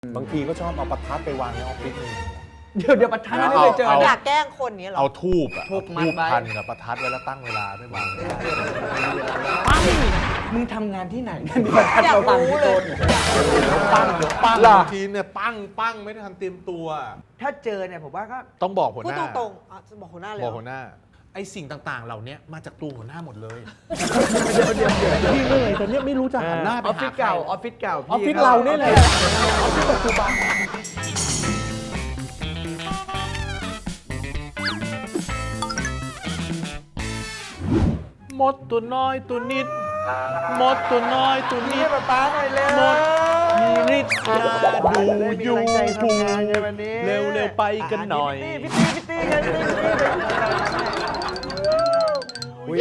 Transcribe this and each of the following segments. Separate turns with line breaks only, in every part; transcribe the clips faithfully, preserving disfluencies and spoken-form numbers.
บางทีก็ชอบเอาประทัดไปวางในออฟฟิศเลย
เดี๋ยวเดี๋ยวประทัดไม่เคยเจอ
อยากแกล้งคนนี้เหรอ
เอาทูบอะ
ทูบ
เอา
มัดไว้
พันกับประทัดไว้แล้วตั้งเวลาไม่วาง
ปังมึงทำงานที่ไหนเนี่ยมีประทัด
อยาก
มาปัง
รู้
ที่
เล
โต๊ะ
ย
ปั้งเดี๋ยวปั้ง
เหรอ
บางทีเนี่ยปั้งปั้งไม่ได้ทันเตรียมตัว
ถ้าเจอเนี่ยผมว่าก็
ต้องบอกหัว
พู
ห
ด
น้า
ตรงๆอ่ะจะบอกหัวหน้าเลย
บ
เห
อ
ร
ก
อ
หัวหน้าไอ้สิ่งต่างๆ เหล่านี้มาจากตัวหัวหน้าหมดเลย
เดี๋ยวเดี๋ยวเดี๋ยว
พี่เหนื่อยแต่เนี่ยไม่รู้จะหันหน้า
อ
ไป
อฟฟิ
หา
ศ
ใคร
เก่าออฟฟิศเก่า
ออฟฟิศเราเนี่ยแหละออฟฟิศปัจจุบันมดตัวน้อยตัวนิดมดตัวน้อยตัวนิ
นี่
ด
ป้าป้าหน่อยเร็ว
หมดมีฤทธิ์นาดูอยู่
มีกำลังใจทำงานในวันนี้
เร็วเร็วๆไปกันหน่อย
พี่ตีพี่ตีพี่ตีพี่ตีอุ้ย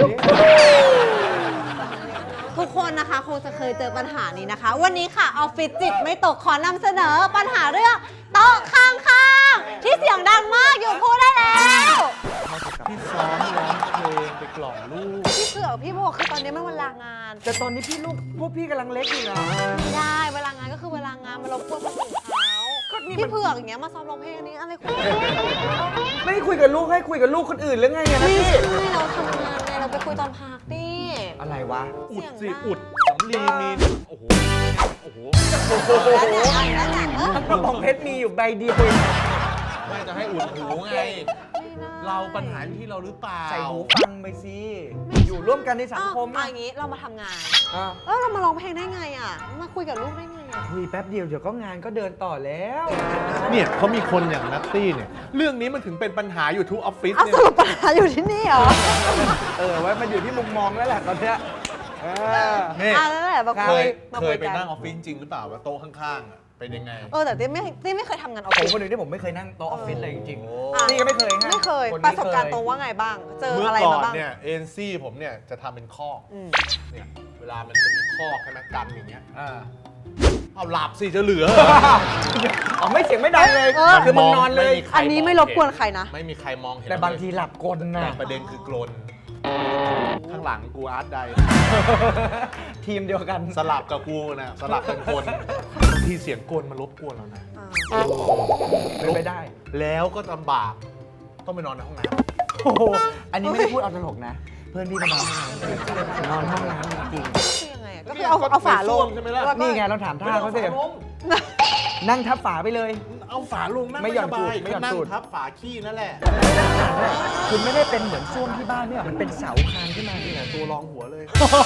ทุกคนนะคะคงจะเคยเจอปัญหานี้นะคะ วันนี้ค่ะออฟฟิศจิตไม่ตกขอนำเสนอปัญหาเรื่องโต๊ะข้างๆที่เสียงดังมากอยู่พูดได้แล้ว
พี่ซ้อมร้องเพลงไปกล่อมลูก
พี่เผือกพี่โบคือตอนนี้มันเวลางาน
แต่ตอนนี้พี่ลูกพวกพี่กำลังเล็กอยู่นะ
ไม่ได้เวลางานก็คือเวลางานมันรบกวนคนอื่นเขาพี่เผือกอย่างเงี้ยมาซ้อมร้องเพลงนี้อะไรคุณ
ไม่ได้คุยกับลูกให้คุยกับลูกคนอื่นหรือไงเนี่ยนะ
ไม่
พี่
ใช่เราทำงานไงเราไปคุยตอนพักดิ
อะไรวะ
อุดสิ
เสียงดัง
อุดสำลีมีโอ้โหโอ้โห
แล้วเนี่ยแล้วเนี่ยเออ
กระบองเพชรมีอยู่ใบเดียวเอง
ไม่จะให้อุดหูไง
ไม่ได้
เราปัญหาอยู่ที่เราหรือเปล่า
ใส่หูฟังไปสิอยู่ร่วมกันในสังคม
อ้าว
อะ
เอาอย่างงี้เรามาทำงาน
อ่ะ
เออเรามาร้องเพลงได้ไงอ่ะ มาคุยกับลูกได้ไงอ่ะ
คุยแป๊บเดียวเดี๋ยวก็งานก็เดินต่อแล้ว
เนี่ยเขามีคนอย่างนัตตี้เนี่ยเรื่องนี้มันถึงเป็นปัญหาอยู่ทุกออฟฟิศ
เอา
เนี่
ส
ย
รุปปัญหาอยู่ที่นี่เหรอ
เออไว้มันอยู่ที่มุมมองแล้วแหละตอนเนี้ยเออ
นี่
อ่ะแล้วแหละมา
เค
คุ
ย
ยมา
เค
คุ
ย
ย
ไป
กัน
นั่งออฟฟิศจริงหรือเปล่าว่าโต๊ะข้างๆอ่ะเป็นยังไง
เออแต่เต้ไม่เต้ไม่เคยทำงานออฟ
ผม
ฟิศ
คนหนึ่งที่ผมไม่เคยนั่งโต๊ะออฟฟิศเลยจริง
โอ้
อ่ะ
ๆนี่ก็ไม่เคยฮะ
ไม่เคย
คน
ป
นี้
ระสบการณ์ตรงว่าไงบ้าง เจอ
เมื่อ
อะไร
ก่อ
มาน บ้าง
เนี่ยเอ็นซี่ผมเนี่ยจะทำเป็นคอก
อืม
เนี่ยเวลามันจะมีคอกใช่ไหมกันอย่างเงี้ย
อ่า
เอาหลับสิจะเหลือ
อ๋อไม่เสียงไม่ดังเลย
เออ
คือมึงนอนเลย
ไม่มีใคร
อันนี้ไม่รบกวนใครนะ
ไม่มีใครมองเห็น
แต่บางทีหลับกลนะ
แต่ประเด็นคือกลนข้างหลังกูอาร์ตใด
ทีมเดียวกัน
สลับกับกูนะสลับเป็นคนบางทีเสียงกลมันรบกวนเรานะ
อ่า
เป็นไปได้
แล้วก็ลำบากต้องไปนอนในห้องน้
โอ้โหอันนี้ไม่ได้พูดเอาตลกนะ เพื่อนพี่ไปนอนห้องน้ำจริงนอนห้องน้ำจริง
ก็คือยังไงอ่ะก็คือเอาเอาฝาลง
ใช่ไหมล่ะ
แล้วก็
นี่ไงเราถาม
ำ
ท่าเขาสิ
ไม่อฝลง
นั่งทับฝาไปเลย
เอาฝาลงนั่ง
ไม่หย่อน
สบา
ตูดไม่หย่อน
นั่ง
ตูด
ทับฝาขี้นั่นแหละ
คุณไม่ได้เป็นเหมือนส้วมที่บ้านเนี่ยมันเป็นเสาคานขึ้นมา
นี่แหละตัวรองหัวเลย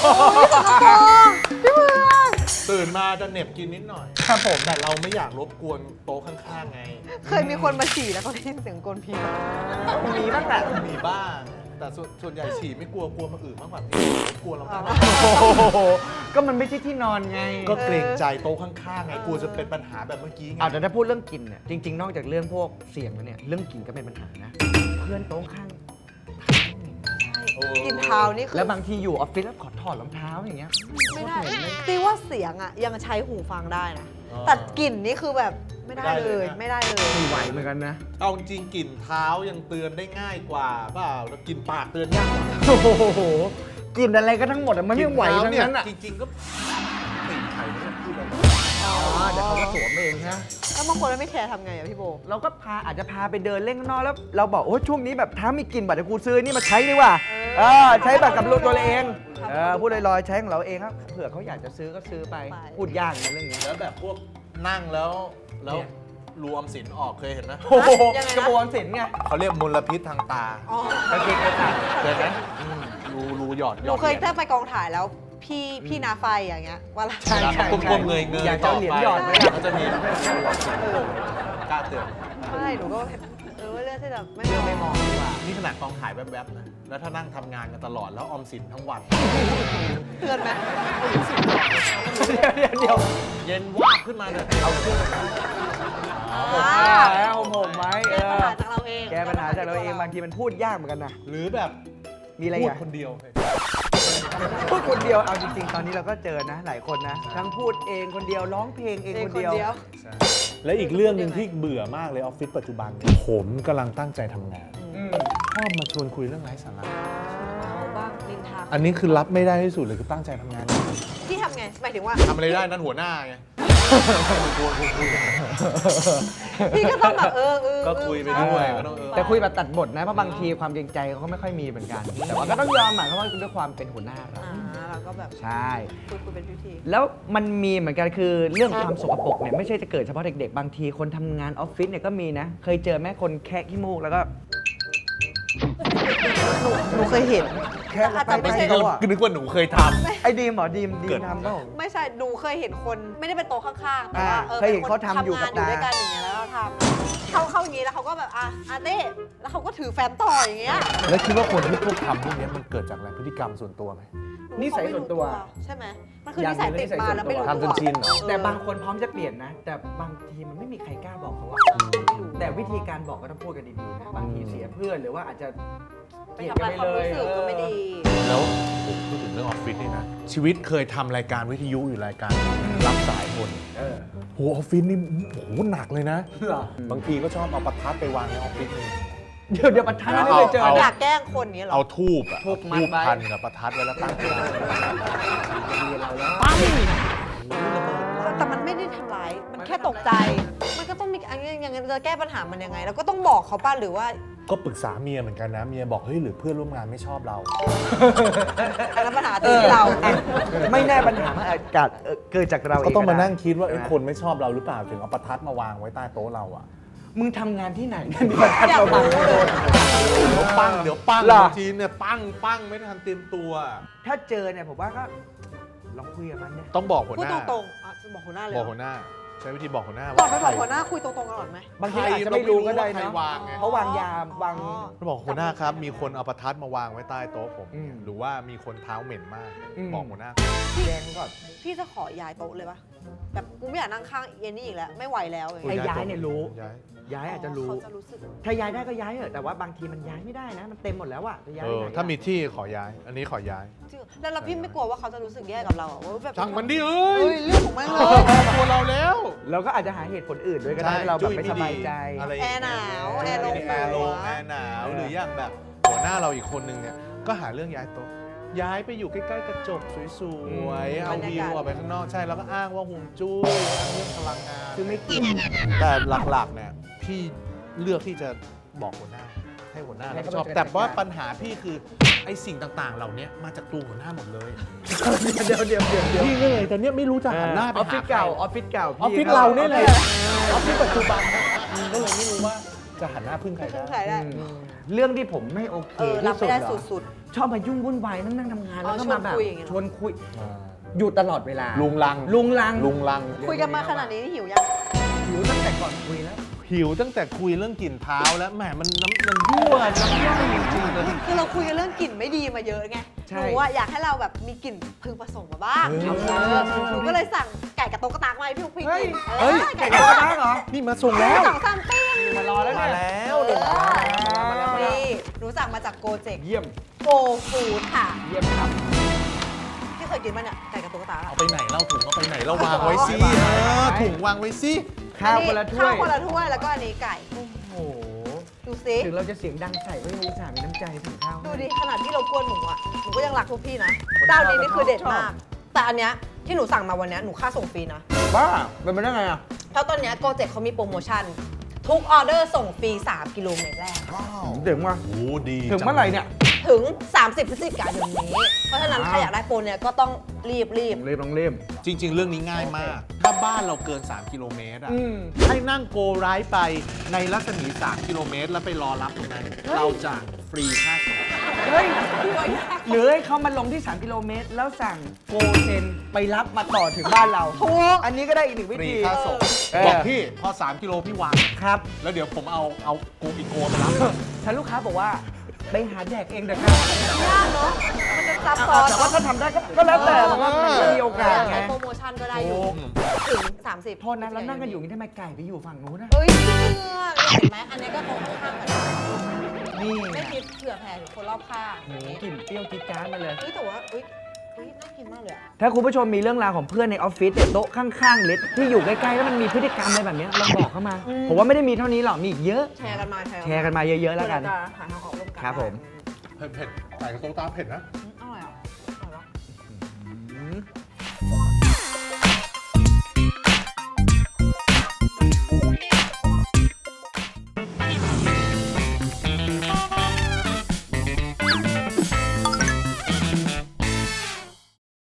พี่เผือก
ตื่นมาจะเหน็บกินนิดหน่อย
ครับผม
แต่เราไม่อยากรบกวนโต๊ะข้างๆไง
เคยมีคนมาฉี่แล้วเขาได้ยินเสียงกลนพี
มีบ้างแหละ
มีบ้าง แต่ส่วนส่วนใหญ่ฉี่ไม่กลัวกลัวมาอื่นมากกว่าพี่กลัวเรามาก
โอ้โหก็มันไม่ใช่ที่นอนไง
ก็เกรงใจโต๊ะข้างๆไงกลัวจะเป็นปัญหาแบบเมื่อกี้ไง
เอาแต่ถ้าพูดเรื่องกลิ่นเนี่ยจริง ๆ นอกจากเรื่องพวกเสียงแล้วเนี่ยเรื่องกลิ่นก็เป็นปัญหานะ เพื่อนโต๊ะข้าง
โอ้
กินเท้านี่คือ
แล้วบางทีอยู่ออฟฟิศแล้วขอถอดรองเท้าอย่างเงี้ย
ไม่ได้ตีว่าเสียงอ่ะยังใช้หูฟังได้นะ แต่กลิ่นนี่คือแบบไม่ได้เลย ไม่ได้เลย
ไม่ไหวเหมือนกันนะ
เอาจริงกลิ่นเท้ายังเตือนได้ง่ายกว่าเปล่าแล้วกลิ่นปากเตือนยากกว่า
โอ้โหกลิ่นอะไรก็ทั้งหมดอะมันไม่ไหว
กลิ่
ทั้ง
เท้า
นั้นอะ
จริงๆก็กลิ่นไข่ไม่ต้องพูดอะไร
อ๋อเดี๋ยวเขาก็สวมเองนะ
แล้วบางคนไม่แคร์ทำไงอ่ะพี่โบ
เราก็พาอาจจะพาไปเดินเล่นข้างนอกแล้ว เราบอกโอ้ช่วงนี้แบบถ้ามีกลิ่นบัตรกูซื้อนี่มาใช้ดีกว่าเออใช้บัตรกับตัวเราเองเออพูดลอยๆใช้ของเราเองครับเผื่อเขาอยากจะซื้อก็ซื้อไปพูดยากนะเรื่องนี้
แล้วแบบพวกนั่งแล้วแล้ว
เนี่ย
รวมสินออกเคยเห็นไหม
โอ้โหกระบวนสินไง
เขาเรียกมลพิษทางตา
อ๋อ
กระเกงกระต่าย
เคยไหมอืมรูรูหยอด
ห
หย
นู
อด
เคย
หรี
ถ้า
ญ
ไปกองถ่ายแล้วพี่พี่นาไฟอย่างเงี้ยเว่าละ
ใช่ใช่
กลมๆเงยเงย
อยากจะเอาเหรียญหยอดไหม
ก็จะมีกล้าเตือน
ใช่หนูก็เออเลือกที่แบบไม่
เรื่องไม่มองดีกว่า
นี่ขนาดกองถ่ายแวบๆนะ แล้วถ้านั่งทำงานกันตลอดแล้วออมสินทั้งวัน
เตือนไหม
เดี๋ยวเดี๋ยว
เย็นวาบขึ้นมาเนี่ยเอาเครื่อง
อ่า
แล้วผมผมไว้เอ
แก้ปัญ
อ
หาจากเราเอง
แก้ปัญหาจากเราเองบางทีมันพูดยากเหมือนกันนะ
หรือแบบ
มีอะไร
พูด
อ่ะ
คนเดียว
พูดคนเดียวเอาจริงๆ ตอนนี้เราก็เจอนะ หลายคนนะ ทั้งพูดเองคนเดียวร้องเพลงเอง
เอง
คน
คน
เดียว
เดียว
และอีกเรื่องหนึ่งที่เบื่อมากเลยออฟฟิศปัจจุบันเนี่ยผมกำลังตั้งใจทำงาน
อืม
ชอบมาชวนคุยเรื่องไร้สาระ
เอาบ้างนินทา
อันนี้คือรับไม่ได้ที่สุดเลยคือตั้งใจทำงาน
พี่ทำไงหมายถึงว่า
ทำอะไรได้นั่นหัวหน้าไง
พี่ก็ต้องแบบเออเออ
ก็คุยไปด้วยก็ต้องเออ
แต่คุยแบบตัดบทนะเพราะบางทีความเกรงใจเขาก็ไม่ค่อยมีเหมือนกัน แต่ว่าก็ต้องยอมหมายเพราะว่าด้วยความเป็นหัวหน้าเรา
อ่าเราก็แบบ
ใช่
คุยคุยเป็นพิธี
แล้วมันมีเหมือนกันคือเรื่องความสกปรกเนี่ยไม่ใช่จะเกิดเฉพาะเด็กๆ บางทีคนทำงานออฟฟิศเนี่ยก็มีนะ เคยเจอแม่คนแคะขี้มูกแล้วก็
หนูหนูเคยเห็น
แค่
อาจจะไม่ใช่
เขาอะ
ก็นึกว่าหนูเคยท
ไอ้ดีมเหรอดีมดี
เกิ
ม
ด
ทำเปล่า
ไม่ใช่ดูเคยเห็นคนไม่ได้เป็นโต๊ะข้างๆแต่ว่า
อ่า
เออ
เคยเห็น
ป็
เขาทำอยู่กับ
ทำงานอยู่
ตา
ด้วยกันอย่างเงี้ยแล้วเราทำเข้าเข้าอย่างงี้แล้วเขาก็แบบอ่ะอาเต้แล้วเขาก็ถือแฟ้มต่ออย่างเงี้ย
ำแล้วคิดว่าคนที่พวกทำพวกนี้มันเกิดจากอะไรพฤติกรรมส่วนตัวไหม
นิสัยส่วนตัว
ใช่ไหมมันคือนิสัยติดมาแล้วไม่รู้ตัว
ทำจนชินเหรอ
แต่บางคนพร้อมจะเปลี่ยนนะ แต่บางทีมันไม่มีใครกล้าบอกเขาว่า แต่วิธีการบอกก็ต้องพูดกันดีๆนะบางทีเสียเพื่อนหรือว่าอาจจะ
ไปทำลายความรู้สึกก็ไม่ดี
แล้วผมพูดถึงเรื่องออฟฟิศนี่นะ ชีวิตเคยทำรายการวิทยุอยู่รายการรับสายคน
เออ
โหออฟฟิศนี่โหหนักเลยนะ
เหรอบ
างทีก็ชอบเอาประทัดไปวางในออฟฟิศเลย
เดี๋ยวเดี๋ยวประทัดไม่เคยเจอ
เอา
อยากแกล้งคนเนี้ยเหรอ
เอาทูบอะ
ทูบมัด
ทูบ
ไว้
พันกับประทัดไว้แล้วตั้งไว้
ปั้ง
แต่มันไม่ได้ทำร้าย มันแค่ตกใจ มันก็ต้องมีอันนี้ยังไงจะแก้ปัญหามันยังไง แล้วก็ต้องบอกเขาป้าหรือว่า
ก็ปรึกษาเมียเหมือนกันนะ เมียบอกเฮ้ยหรือเพื่อนร่วมงานไม่ชอบเรา
อันนั้นปัญหาที่เรา
อ่ะไม่แน่ปัญหามันอาจจะเอ่อเกิดจากเราเอง
ก็ต้องมา
ได้
นั่งคิดว่าเอ้ย
ใช่ไหม
คนไม่ชอบเราหรือเปล่าถึงเอาประทัดมาวางไว้ใต้โต๊ะเราอะ
มึงทำงานที่ไหนเนี่ยมีประทัด
อยาก
มาบัง
รู้เลย
เดี๋ยวปั้งเดี๋ยวปั้ง
เหรอ
ทีเนี่ยปั้งปั้งไม่ทันเตรียมตัว
ถ้าเจอเนี่ยผมว่าก็ลองคุยกับมันเนี่ย
ต้องบอกหัว
พูด
หน้า
ตรงๆอ่ะจะบอกหัวหน้าเลย
บอกหัวหน้า ใช้วิธีบอกหัวหน้า
ก่อนไปบอก
ใคร
หัวหน้าคุยตรงๆกันก่อนไหม
บางทีอาจจะไม่รู้ก็ได้
ใคร
เนาะ
วางไง
เพราะวางยาวาง
อ๋อ
เราบอกหัวหน้าครับ มีคนเอาประทัดมาวางไว้ใต้โต๊ะผม
อืม
หรือว่ามีคนเท้าเหม็นมาก
อืม
บอกหัวหน้า
แจ้งก่อน
พี่จะขอย้ายโต๊ะเลยปะแบบกูไม่อยากนั่งข้างเอ็นนี่อีกแล้ว ไม่ไหวแล้วอย่าง
ไอ้
เงี้ย
ย้ายเนี่ยรู้
ย้าย
ย้ายอาจจะรู้
เขาจะรู้สึก
ถ้าย้ายได้ก็ย้ายเถอะแต่ว่าบางทีมันย้ายไม่ได้นะ มันเต็มหมดแล้วอะจะย้าย
เอ
ไป
อ
ไหนอะ
ถ้ามีที่ขอย้าย อันนี้ขอย้าย
จริงเหรอแล้วเราพี่ไม่กลัวว่าเขาจะรู้สึกแย่กับเราอ่ะว่าแบบ
ช่างมันดิเอ้
เฮ้
ย
ยเรื่องของแม่งเลย
ตัวเราแล้ว
เราก็อาจจะหาเหตุผลอื่นด้วยก็ได้ที่เราแบบไม่สบายใจ
อะไร
แอร์หนาวแอร์ลง
แอร์ลง
หัว
แอร์หนาวหรืออย่างแบบหัวหน้าเราอีกคนนึงเนี่ยก็หาเรื่องย้ายโต๊ะย้ายไปอยู่ใกล้ๆกระจกสวยๆเอาวิวออกไปข้างนอกใช่แล้วก็อ้างว่าห่วงจุ้ยอ้างเรื่องพลังงาน
คือไม่กิน
แต่หลักๆเนี่ยพี่เลือกที่จะบอกหัวหน้าให้หัวหน้า
ให้
รับ
เขา
ผิดชอบ
จัดการ
แต่ว่าปัญหาพี่คือไอ้สิ่งต่างๆ เหล่านี้มาจากตัวหัวหน้าหมดเลย
เดี๋ยวเดี๋ยวเดี๋ยวเดี๋ยว
พี่ก็เลยแต่เนี้ยไม่รู้จะหันหน้าไป
ออฟฟิ
หา
ศ
ใคร
เก่าออฟฟิศเก่า
ออฟฟิศเราเนี่ยเลยออฟฟิศปัจจุบันก็เลยไม่รู้ว่าจะหันหน้าพึ่งใคร
พึ่ง
ได้
ใครได้
อืมเรื่องที่ผมไม่โอเค
เออรับ
ที่สุ
ไม่
ด
ได้
เหรอ
สุด
ชอบมายุ่งวุ่นวายนั่งนั่งทำงาน
อ๋อ
แล้วก็มาแบบ
ชวนคุยอย่างเงี้ยเหรอ
ชวนคุยอยู่ตลอดเวลา
ลุงลัง
ลุงลัง
ลุงลัง
ๆ คุยกันมาขนาดนี้หิวยัง
หิวตั้งแต่ก่อนคุยแล้ว
หิวตั้งแต่คุยเรื่องกลิ่นเท้าแล้วแหมมันน้ำมันยั่วน้ำย่อยจริงๆเลย
คือเราคุยกันเรื่องกลิ่นไม่ดีมาเยอะไง
ใช่
หนูว่าอยากให้เราแบบมีกลิ่นพึงผสมมาบ้าง
เออ
เออหนูก็เลยสั่งไก่กับโต๊ะกระตากมาให้พี่อุ๊กพี่
เฮ้ย
กิน
เฮ้ย
ไก่
ไก่
กับ
ก
โต๊ะ
ระ
กระตาก
ทะเหรอ
นี่มาส่งแล้ว
สองสามปิ้ง
มารอแล้ว
มา
เนี่ย
แล้วเดี๋ยว
เอ
มา
อ
มาแล้วมาแล้ว
นี่หนูสั่งมาจากโกเจ็ก
เยี่ยม
โกฟูดค่ะ
เยี่ยมครับ
ที่เคยกินมาเนี่ยไก่กับโต๊ะกระตากอะ
เอาไปไหนเล่าถุงเอาไปไหนเราวางไว้สิเออถุงวางไว้สิ
ข้าวคนละถ้วย
ข้าวคนละถ้วยแล้วก็อันนี้ไก่
โอ้โห
ดูสิ
ถึงเราจะเสียงดังใส่ก็ยังอุตส่าห์มีน้ำใจสั่งข้าว
ดูดิขนาดที่เรากวนหนูอ่ะหนูก็ยังรักทุกพี่นะเจ้านี้นี่คือเด็ดมาก แต่อันเนี้ยที่หนูสั่งมาวันเนี้ยหนูค่าส่งฟรีนะ
บ้าเป็นไปได้ไงอ่ะ
เพราะตอนเนี้ยโกเจ็กเขามีโปรโมชั่น ทุกออเดอร์ส่งฟรีสามกิโลเมตรแรก
ถึงว่า
โอ้ดี
ถึงเมื่อไหร่เนี่ย
ถึง สามสิบพฤศจิกายนนี้ เพราะฉะนั้นใครอยากได้โปรเนี่ยก็ต้องรีบรีบ
เล่มต้องเล่ม
จริง ๆ เรื่องนี้ง่ายมาก ถ้าบ้านเราเกิน สาม กิโลเมตรอ่ะ
อืม
ให้นั่งโกไรด์ไปในรัศมี สาม กิโลเมตร แล้วไปรอรับตรงนั้น เราจะฟรีค่าส่ง
เฮ้ย หรือให้เขามาลงที่ สาม กิโลเมตร แล้วสั่งโกเซนไปรับมาต่อถึงบ้านเรา
ถูก
อันนี้ก็ได้อีกหนึ่งวิ
ฟรี
ธี
ค่าส่ง
เออ
บอกพี่พอ สาม กิโลพี่วาง
ครับ
แล้วเดี๋ยวผมเอาเอาโกอีกโกไปรับ
ถ้าลูกค้าบอกว่าไปหาแดกเองเถอะครับ
ยากเนาะมันจะซับซ้อ
อ่าน แต่ว่าถ้าทำได้ก็ก็แล้วแต่มันก็มันก็มีโอกาสไง
โปรโมชั่นก็ได้อยู่ ถึง สามสิบ
โทษนะแล้วนั่งกันอยู่นี่ทำไมไก่ไปอยู่ฝั่งนู้นนะ
เฮ้ยเชื่อเห็นไหมอันนี้ก็ตรงข้ามกัน
นี่
ไม่
ไง
คิดเผื่อแผ่ถึงคนรอบข้าง
โหกลิ่นเปรี้ยวจี๊ดจ๊าดมาเลย
เฮ้ยแต่ว่าเฮ้ยเฮ้ยน่ากินมากเลยอะ
ถ้าคุณผู้ชมมีเรื่องราวของเพื่อนในออฟฟิศเนี่ยโต๊ะข้างๆเล็กที่อยู่ใกล้ๆแล้วมันมีพฤติกรรมอะไรแบบเนี้ยลองบอกเข้ามา ผมว่าไม่ได้มีเท่านี้หรอกมีอีกเยอะ
แชร์กันมา
แชร์กันมาเยอะๆแล้วกัน
เพื่อจะหาทางออกร่วมกัน
ครับผม
เผ็ดเผ็ดใส่กระโต๊ะตาเผ็ดนะ
อืม